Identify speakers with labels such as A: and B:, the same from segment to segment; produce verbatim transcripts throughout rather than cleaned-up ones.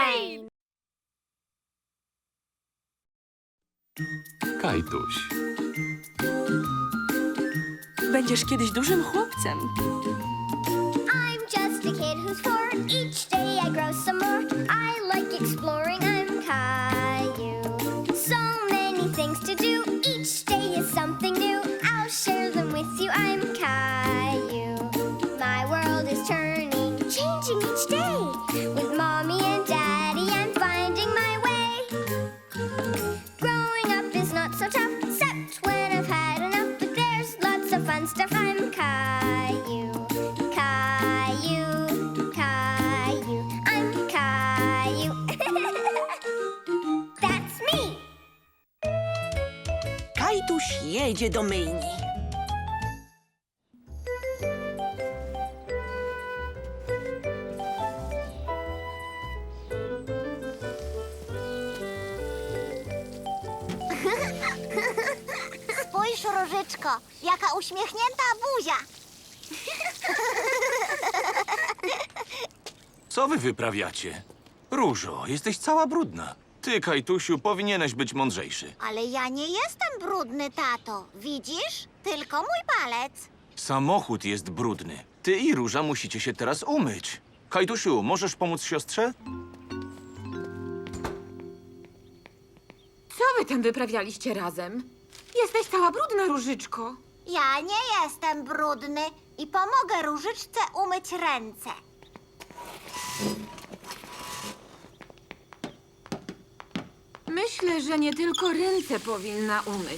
A: Rain!
B: Kajtuś.
C: Będziesz kiedyś dużym chłopcem.
D: I'm just a kid who's four. Each day I grow some more. I like exploring. I'm Caillou. So many things to do. Each day is something new. I'll share them with you. I'm Caillou. My world is turning, changing each day. With mommy and daddy, I'm finding my way. Growing up is not so tough, except when I've had enough. But there's lots of fun stuff. I'm Caillou. Caillou, Caillou, I'm Caillou. That's me.
C: Kajtuś jedzie do myjni.
D: Spójrz, Różyczko, jaka uśmiechnięta buzia.
B: Co wy wyprawiacie? Różo, jesteś cała brudna. Ty, Kajtusiu, powinieneś być mądrzejszy.
D: Ale ja nie jestem brudny, tato. Widzisz? Tylko mój palec.
B: Samochód jest brudny. Ty i Róża musicie się teraz umyć. Kajtusiu, możesz pomóc siostrze?
A: Co wy tam wyprawialiście razem? Jesteś cała brudna, Różyczko.
D: Ja nie jestem brudny i pomogę Różyczce umyć ręce.
A: Myślę, że nie tylko ręce powinna umyć.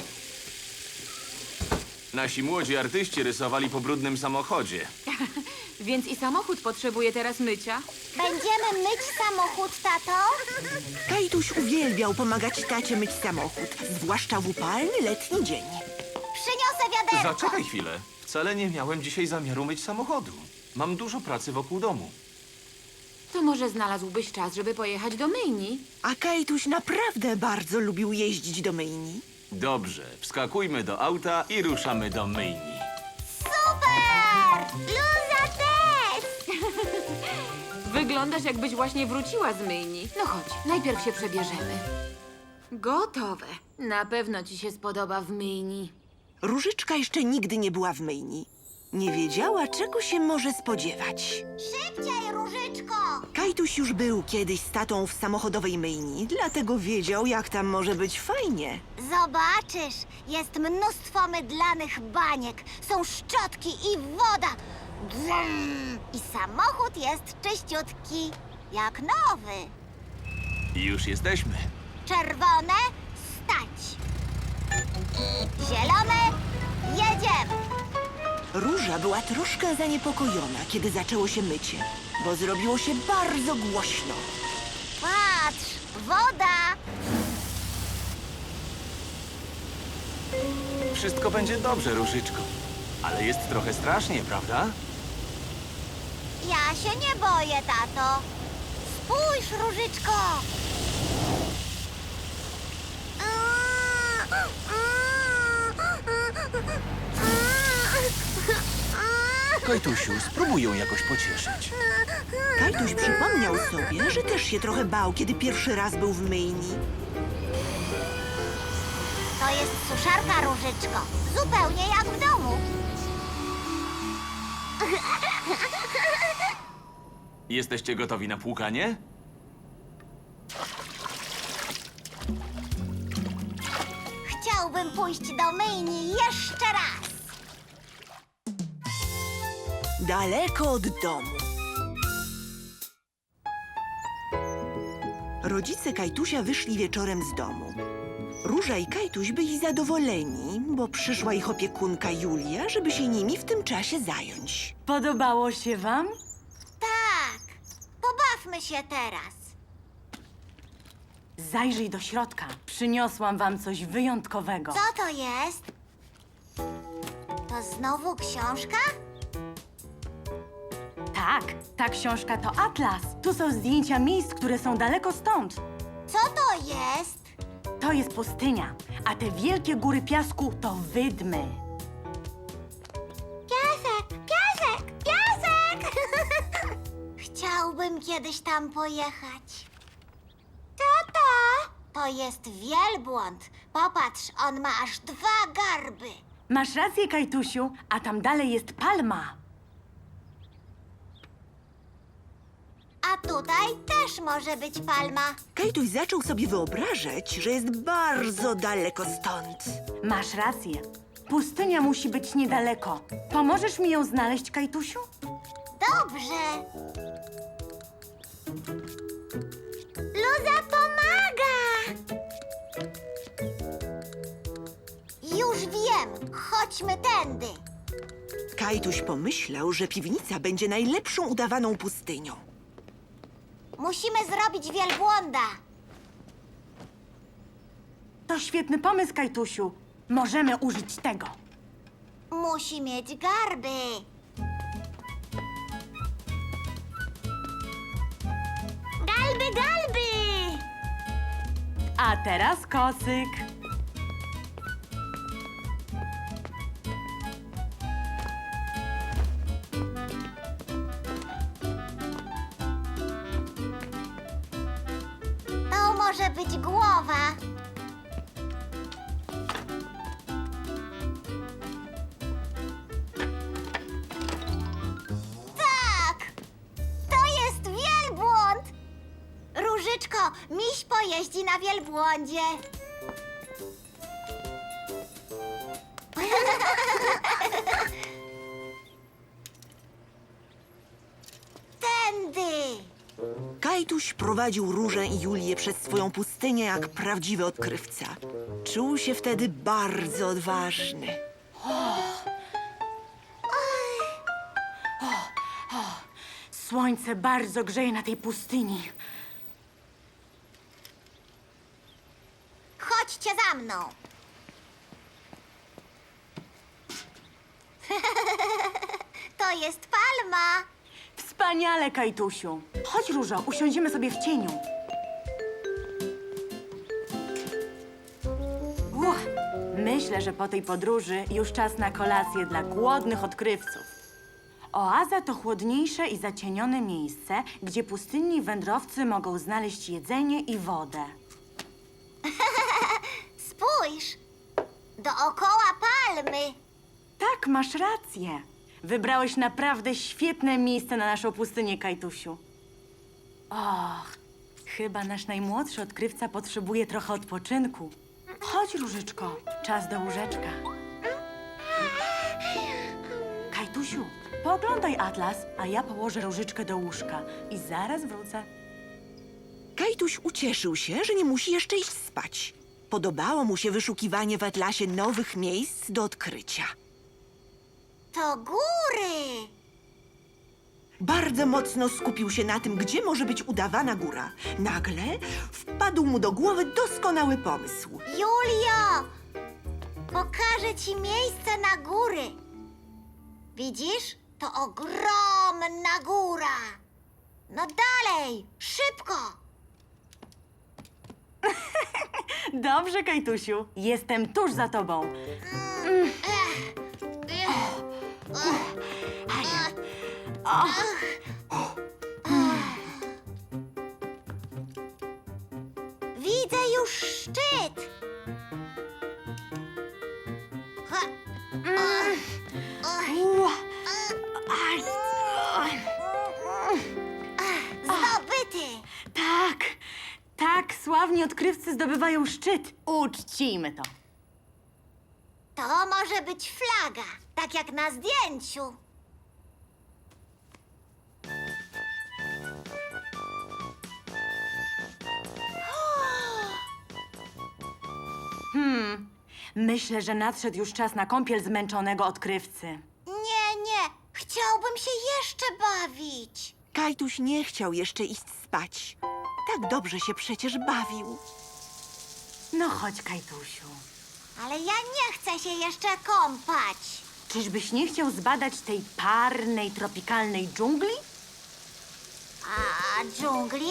B: Nasi młodzi artyści rysowali po brudnym samochodzie.
A: Więc i samochód potrzebuje teraz mycia.
D: Będziemy myć samochód, tato?
C: Kajtuś uwielbiał pomagać tacie myć samochód, zwłaszcza w upalny letni dzień.
D: Przyniosę wiaderko.
B: Zaczekaj chwilę. Wcale nie miałem dzisiaj zamiaru myć samochodu. Mam dużo pracy wokół domu.
A: To może znalazłbyś czas, żeby pojechać do myjni?
C: A Kajtuś naprawdę bardzo lubił jeździć do myjni.
B: Dobrze, wskakujmy do auta i ruszamy do myjni.
D: Super! Luza też!
A: Wyglądasz, jakbyś właśnie wróciła z myjni. No chodź, najpierw się przebierzemy. Gotowe. Na pewno ci się spodoba w myjni.
C: Różyczka jeszcze nigdy nie była w myjni. Nie wiedziała, czego się może spodziewać.
D: Szybciej, Różyczko!
C: Kajtuś już był kiedyś z tatą w samochodowej myjni, dlatego wiedział, jak tam może być fajnie.
D: Zobaczysz, jest mnóstwo mydlanych baniek, są szczotki i woda. Brum! I samochód jest czyściutki, jak nowy.
B: Już jesteśmy.
D: Czerwone, stać. Zielone, jedziemy.
C: Róża była troszkę zaniepokojona, kiedy zaczęło się mycie, bo zrobiło się bardzo głośno.
D: Patrz, woda.
B: Wszystko będzie dobrze, Różyczko. Ale jest trochę strasznie, prawda?
D: Ja się nie boję, tato. Spójrz, Różyczko.
B: Kajtusiu, spróbuj ją jakoś pocieszyć.
C: Kajtuś przypomniał sobie, że też się trochę bał, kiedy pierwszy raz był w myjni.
D: To jest suszarka, Różyczko. Zupełnie jak w domu.
B: Jesteście gotowi na płukanie?
D: Chciałbym pójść do myjni jeszcze raz.
C: Daleko od domu. Rodzice Kajtusia wyszli wieczorem z domu. Róża i Kajtuś byli zadowoleni, bo przyszła ich opiekunka Julia, żeby się nimi w tym czasie zająć.
E: Podobało się wam?
D: Tak, pobawmy się teraz.
E: Zajrzyj do środka. Przyniosłam wam coś wyjątkowego.
D: Co to jest? To znowu książka?
E: Tak, ta książka to atlas. Tu są zdjęcia miejsc, które są daleko stąd.
D: Co to jest?
E: To jest pustynia, a te wielkie góry piasku to wydmy.
D: Piasek, piasek, piasek! Chciałbym
F: Chciałabym kiedyś tam pojechać. Tata! To jest wielbłąd. Popatrz, on ma aż dwa garby.
E: Masz rację, Kajtusiu, a tam dalej jest palma.
F: A tutaj też może być palma.
C: Kajtuś zaczął sobie wyobrażać, że jest bardzo daleko stąd.
E: Masz rację. Pustynia musi być niedaleko. Pomożesz mi ją znaleźć, Kajtusiu?
F: Dobrze. Luza pomaga! Już wiem. Chodźmy tędy.
C: Kajtuś pomyślał, że piwnica będzie najlepszą udawaną pustynią.
F: Musimy zrobić wielbłąda.
E: To świetny pomysł, Kajtusiu. Możemy użyć tego.
F: Musi mieć garby. Galby, galby!
E: A teraz kocyk.
F: To może być głowa. Tak! To jest wielbłąd! Różyczko, miś pojeździ na wielbłądzie. Tędy!
C: Kajtuś prowadził Różę i Julię przez swoją pustynię jak prawdziwy odkrywca. Czuł się wtedy bardzo odważny.
E: Słońce bardzo grzeje na tej pustyni.
F: Chodźcie za mną. To jest palma.
E: Wspaniale, Kajtusiu. Chodź, Różo, usiądziemy sobie w cieniu. Uch, myślę, że po tej podróży już czas na kolację dla głodnych odkrywców. Oaza to chłodniejsze i zacienione miejsce, gdzie pustynni wędrowcy mogą znaleźć jedzenie i wodę.
F: Spójrz. Dookoła palmy.
E: Tak, masz rację. Wybrałeś naprawdę świetne miejsce na naszą pustynię, Kajtusiu. Och, chyba nasz najmłodszy odkrywca potrzebuje trochę odpoczynku. Chodź, Różyczko, czas do łóżeczka. Kajtusiu, pooglądaj atlas, a ja położę Różyczkę do łóżka i zaraz wrócę.
C: Kajtuś ucieszył się, że nie musi jeszcze iść spać. Podobało mu się wyszukiwanie w atlasie nowych miejsc do odkrycia.
F: To góry.
C: Bardzo mocno skupił się na tym, gdzie może być udawana góra. Nagle wpadł mu do głowy doskonały pomysł.
F: Julio, pokażę ci miejsce na góry. Widzisz? To ogromna góra. No dalej, szybko.
E: Dobrze, Kajtusiu, jestem tuż za tobą.
F: Widzę już szczyt. Ha.
E: Ua. Aj.
F: Zdobyty.
E: Tak, tak, sławni odkrywcy zdobywają szczyt. Uczcijmy to.
F: To może być flaga, tak jak na zdjęciu.
E: Hmm, myślę, że nadszedł już czas na kąpiel zmęczonego odkrywcy.
F: Nie, nie, chciałbym się jeszcze bawić.
C: Kajtuś nie chciał jeszcze iść spać. Tak dobrze się przecież bawił.
E: No chodź, Kajtusiu.
F: Ale ja nie chcę się jeszcze kąpać.
E: Czyżbyś nie chciał zbadać tej parnej, tropikalnej dżungli?
F: A dżungli?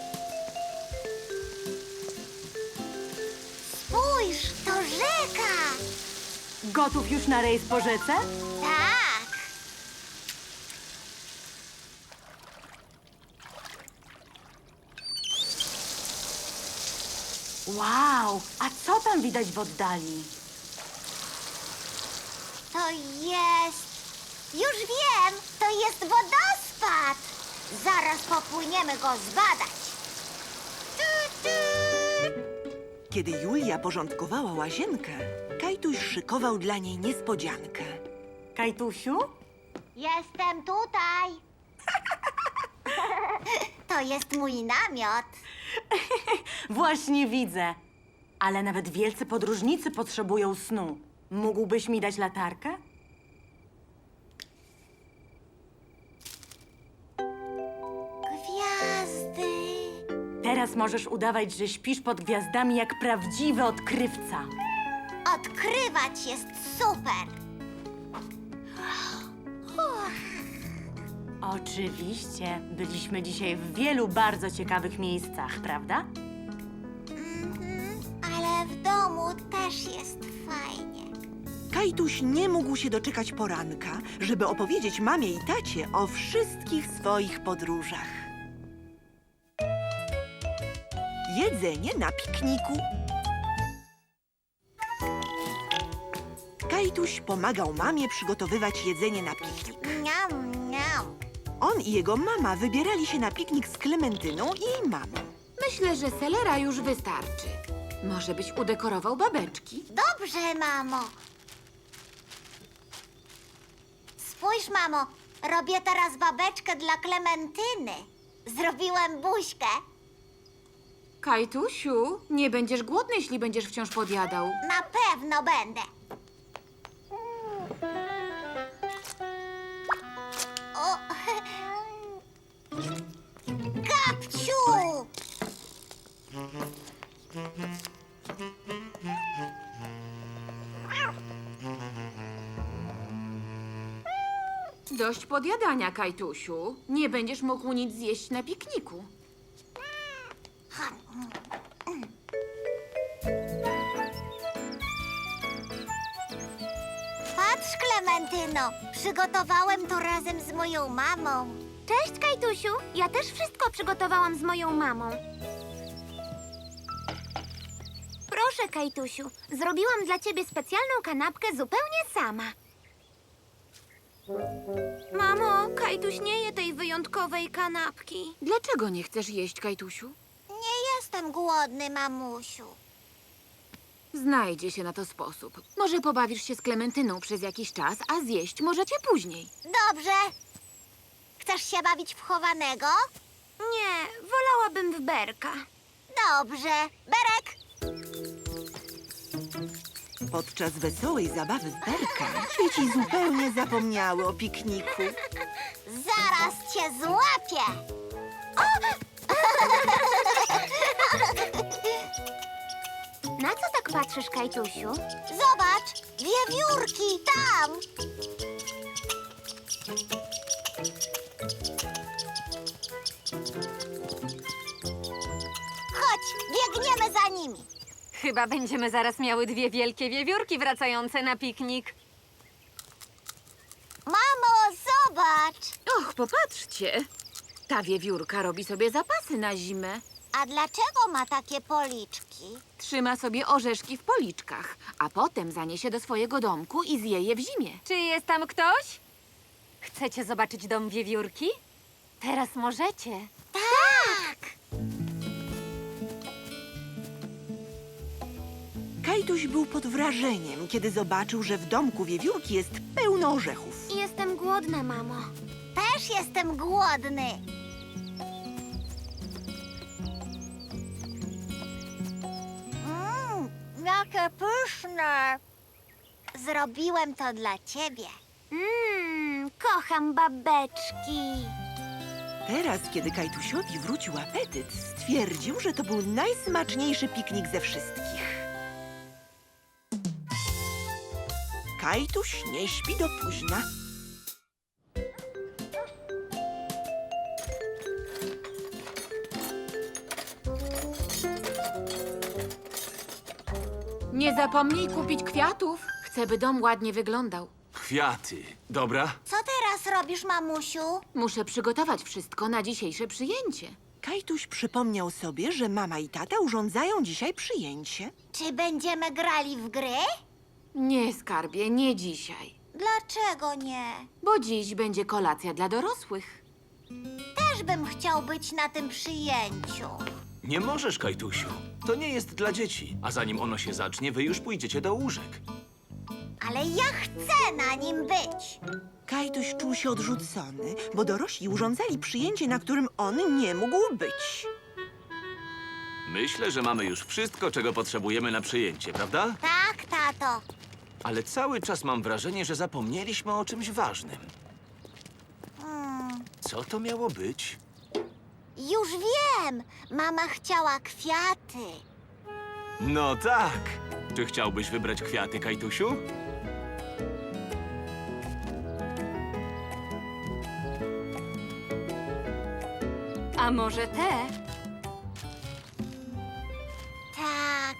F: Spójrz, to rzeka!
E: Gotów już na rejs po rzece?
F: Tak.
E: Wow, a co tam widać w oddali?
F: To jest... Już wiem, to jest wodospad. Zaraz popłyniemy go zbadać. Tu, tu.
C: Kiedy Julia porządkowała łazienkę, Kajtuś szykował dla niej niespodziankę.
E: Kajtusiu?
F: Jestem tutaj. To jest mój namiot.
E: Właśnie widzę. Ale nawet wielcy podróżnicy potrzebują snu. Mógłbyś mi dać latarkę?
F: Gwiazdy.
E: Teraz możesz udawać, że śpisz pod gwiazdami jak prawdziwy odkrywca.
F: Odkrywać jest super.
E: Oczywiście. Byliśmy dzisiaj w wielu bardzo ciekawych miejscach, prawda?
F: Mhm, ale w domu też jest fajnie.
C: Kajtuś nie mógł się doczekać poranka, żeby opowiedzieć mamie i tacie o wszystkich swoich podróżach. Jedzenie na pikniku. Kajtuś pomagał mamie przygotowywać jedzenie na piknik.
F: Niam, niam.
C: On i jego mama wybierali się na piknik z Klementyną i jej mamą.
A: Myślę, że selera już wystarczy. Może byś udekorował babeczki?
F: Dobrze, mamo. Spójrz, mamo, robię teraz babeczkę dla Klementyny. Zrobiłem buźkę.
A: Kajtusiu, nie będziesz głodny, jeśli będziesz wciąż podjadał.
F: Na pewno będę. O! Gabciu!
A: Dość podjadania, Kajtusiu. Nie będziesz mógł nic zjeść na pikniku.
F: Patrz, Klementyno, przygotowałem to razem z moją mamą.
D: Cześć, Kajtusiu. Ja też wszystko przygotowałam z moją mamą. Proszę, Kajtusiu. Zrobiłam dla ciebie specjalną kanapkę zupełnie sama. Mamo, Kajtuś nie je tej wyjątkowej kanapki.
A: Dlaczego nie chcesz jeść, Kajtusiu?
F: Nie jestem głodny, mamusiu.
A: Znajdzie się na to sposób. Może pobawisz się z Klementyną przez jakiś czas, a zjeść możecie później.
F: Dobrze. Chcesz się bawić w chowanego?
D: Nie, wolałabym w berka.
F: Dobrze. Berek!
C: Podczas wesołej zabawy w berka dzieci zupełnie zapomniały o pikniku.
F: Zaraz cię złapię.
D: Na co tak patrzysz, Kajtusiu?
F: Zobacz, wiewiórki tam. Chodź, biegniemy za nimi.
G: Chyba będziemy zaraz miały dwie wielkie wiewiórki wracające na piknik.
F: Mamo, zobacz.
A: Och, popatrzcie. Ta wiewiórka robi sobie zapasy na zimę.
F: A dlaczego ma takie policzki?
A: Trzyma sobie orzeszki w policzkach, a potem zaniesie do swojego domku i zje je w zimie.
G: Czy jest tam ktoś? Chcecie zobaczyć dom wiewiórki? Teraz możecie.
F: Tak!
C: Kajtuś był pod wrażeniem, kiedy zobaczył, że w domku wiewiórki jest pełno orzechów.
D: Jestem głodna, mamo.
F: Też jestem głodny. Mmm, jakie pyszne. Zrobiłem to dla ciebie.
D: Mmm, kocham babeczki.
C: Teraz, kiedy Kajtusiowi wrócił apetyt, stwierdził, że to był najsmaczniejszy piknik ze wszystkich. Kajtuś nie śpi do późna.
A: Nie zapomnij kupić kwiatów. Chcę, by dom ładnie wyglądał.
B: Kwiaty. Dobra?
F: Co teraz robisz, mamusiu?
A: Muszę przygotować wszystko na dzisiejsze przyjęcie.
C: Kajtuś przypomniał sobie, że mama i tata urządzają dzisiaj przyjęcie.
F: Czy będziemy grali w gry?
A: Nie, skarbie, nie dzisiaj.
F: Dlaczego nie?
A: Bo dziś będzie kolacja dla dorosłych.
F: Też bym chciał być na tym przyjęciu.
B: Nie możesz, Kajtusiu. To nie jest dla dzieci. A zanim ono się zacznie, wy już pójdziecie do łóżek.
F: Ale ja chcę na nim być.
C: Kajtuś czuł się odrzucony, bo dorośli urządzali przyjęcie, na którym on nie mógł być.
B: Myślę, że mamy już wszystko, czego potrzebujemy na przyjęcie, prawda?
F: Tak, tato.
B: Ale cały czas mam wrażenie, że zapomnieliśmy o czymś ważnym.
F: Hmm,
B: Co to miało być?
F: już wiem. Mama chciała kwiaty.
B: No tak. Czy chciałbyś wybrać kwiaty, Kajtusiu?
G: A może te?
F: Tak.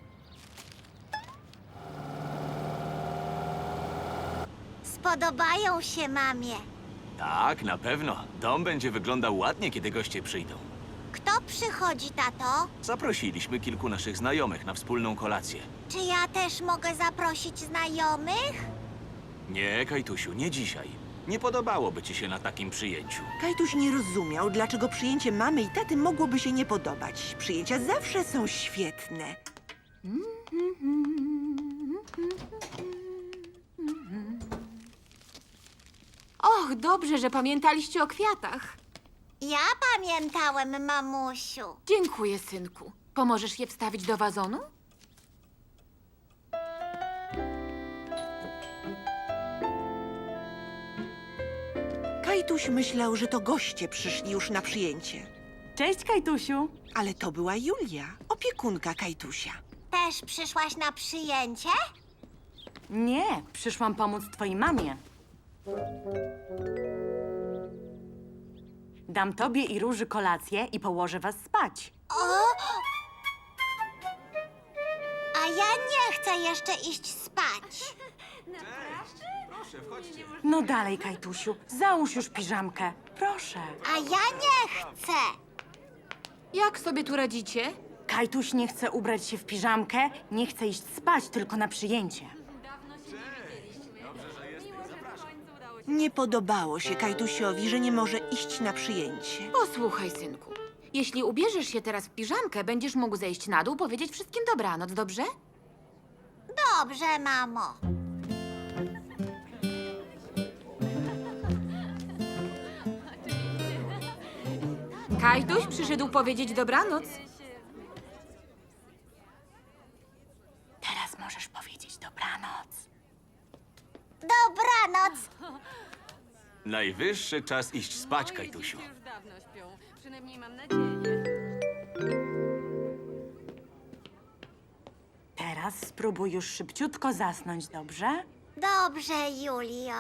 F: Spodobają się mamie.
B: Tak, na pewno. Dom będzie wyglądał ładnie, kiedy goście przyjdą.
F: Kto przychodzi, tato?
B: Zaprosiliśmy kilku naszych znajomych na wspólną kolację.
F: Czy ja też mogę zaprosić znajomych?
B: Nie, Kajtusiu, nie dzisiaj. Nie podobałoby ci się na takim przyjęciu.
C: Kajtuś nie rozumiał, dlaczego przyjęcie mamy i taty mogłoby się nie podobać. Przyjęcia zawsze są świetne.
A: Och, dobrze, że pamiętaliście o kwiatach.
F: Ja pamiętałem, mamusiu.
A: Dziękuję, synku. Pomożesz je wstawić do wazonu?
C: Kajtuś myślał, że to goście przyszli już na przyjęcie.
E: Cześć, Kajtusiu.
C: Ale to była Julia, opiekunka Kajtusia.
F: Też przyszłaś na przyjęcie?
E: Nie, przyszłam pomóc twojej mamie. Dam tobie i Róży kolację i położę was spać.
F: O! A ja nie chcę jeszcze iść spać.
B: Proszę, wchodźcie.
E: No dalej, Kajtusiu, załóż już piżamkę. Proszę.
F: A ja nie chcę.
A: Jak sobie tu radzicie?
E: Kajtuś nie chce ubrać się w piżamkę, nie chce iść spać, tylko na przyjęcie.
C: Nie podobało się Kajtusiowi, że nie może iść na przyjęcie.
A: Posłuchaj, synku. Jeśli ubierzesz się teraz w piżamkę, będziesz mógł zejść na dół, powiedzieć wszystkim dobranoc, dobrze?
F: Dobrze, mamo.
A: Kajtuś przyszedł powiedzieć dobranoc.
E: Teraz możesz powiedzieć dobranoc.
F: Dobranoc.
B: Najwyższy czas iść spać, Kajtusiu.
G: Już dawno śpią. Przynajmniej mam nadzieję.
E: Teraz spróbuj już szybciutko zasnąć, dobrze?
F: Dobrze, Julio.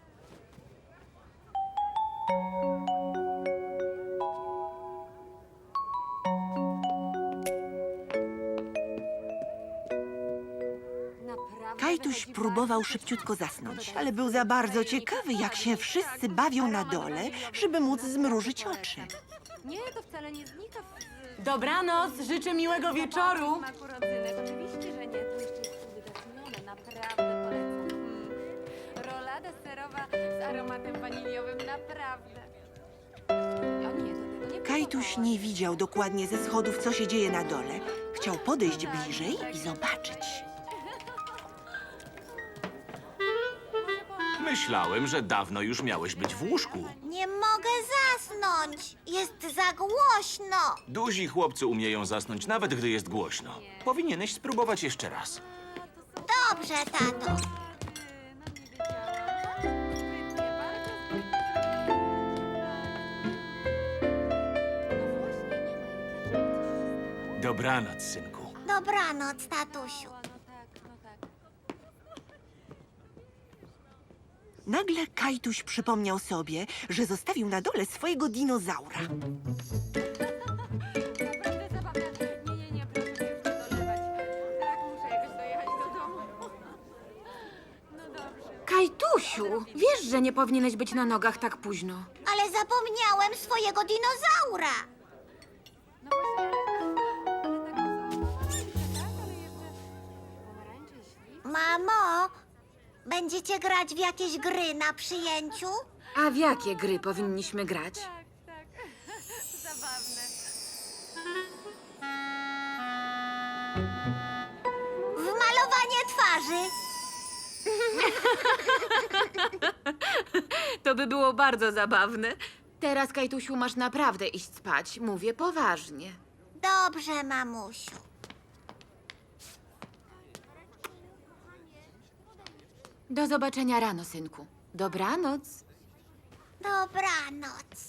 G: Naprawdę
C: Kajtuś
G: wychodzi
C: próbował
G: bardzo
C: szybciutko
G: dobrze.
C: zasnąć, ale był za bardzo ciekawy, jak się wszyscy bawią na dole, żeby móc zmrużyć oczy.
G: Nie, to wcale nie znika w...
E: Dobranoc, życzę miłego wieczoru.
G: Smaku rodzynek. Oczywiście, że nie. To jeszcze jest uwydatnione. Naprawdę polecam. Mm. Rolada serowa z aromatem waniliowym. Naprawdę. O nie, to tego nie
C: Kajtuś
G: próbowałaś.
C: nie widział dokładnie ze schodów, co się dzieje na dole. Chciał podejść bliżej i zobaczyć.
B: Myślałem, że dawno już miałeś być w łóżku.
F: Nie mogę zasnąć. Jest za głośno.
B: Duzi chłopcy umieją zasnąć, nawet gdy jest głośno. Powinieneś spróbować jeszcze raz.
F: Dobrze, tato.
G: No nie wiedziałam. Sprytnie, bardzo sprytnie. No właśnie, nie ma jak
B: Dobranoc, synku.
F: Dobranoc, tatusiu.
G: No tak, no tak.
C: Nagle Kajtuś przypomniał sobie, że zostawił na dole swojego dinozaura.
G: Naprawdę zabawne. Nie, nie, nie, proszę się już nie dolewać. Tak, muszę jakoś dojechać do domu. No dobrze.
A: Kajtusiu, wiesz, że nie powinieneś być na nogach tak późno.
F: Ale zapomniałem swojego dinozaura. Mamo, będziecie grać w jakieś gry na przyjęciu?
A: A w jakie gry powinniśmy grać?
G: Tak, tak. Zabawne.
F: W malowanie twarzy.
A: To by było bardzo zabawne. Teraz, Kajtusiu, masz naprawdę iść spać. Mówię poważnie.
F: Dobrze, mamusiu.
A: Do zobaczenia rano, synku. Dobranoc.
F: Dobranoc.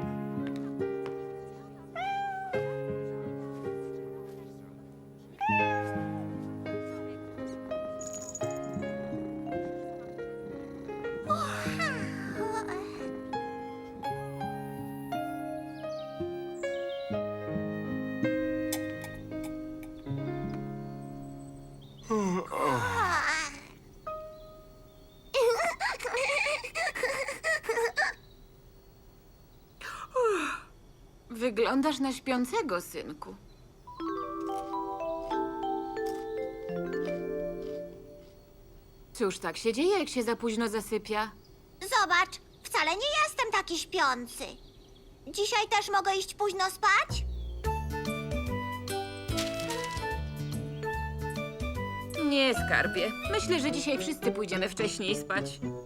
A: Wyglądasz na śpiącego, synku. Cóż, tak się dzieje, jak się za późno zasypia.
F: Zobacz, wcale nie jestem taki śpiący. Dzisiaj też mogę iść późno spać?
A: Nie, skarbie. Myślę, że dzisiaj wszyscy pójdziemy wcześniej spać.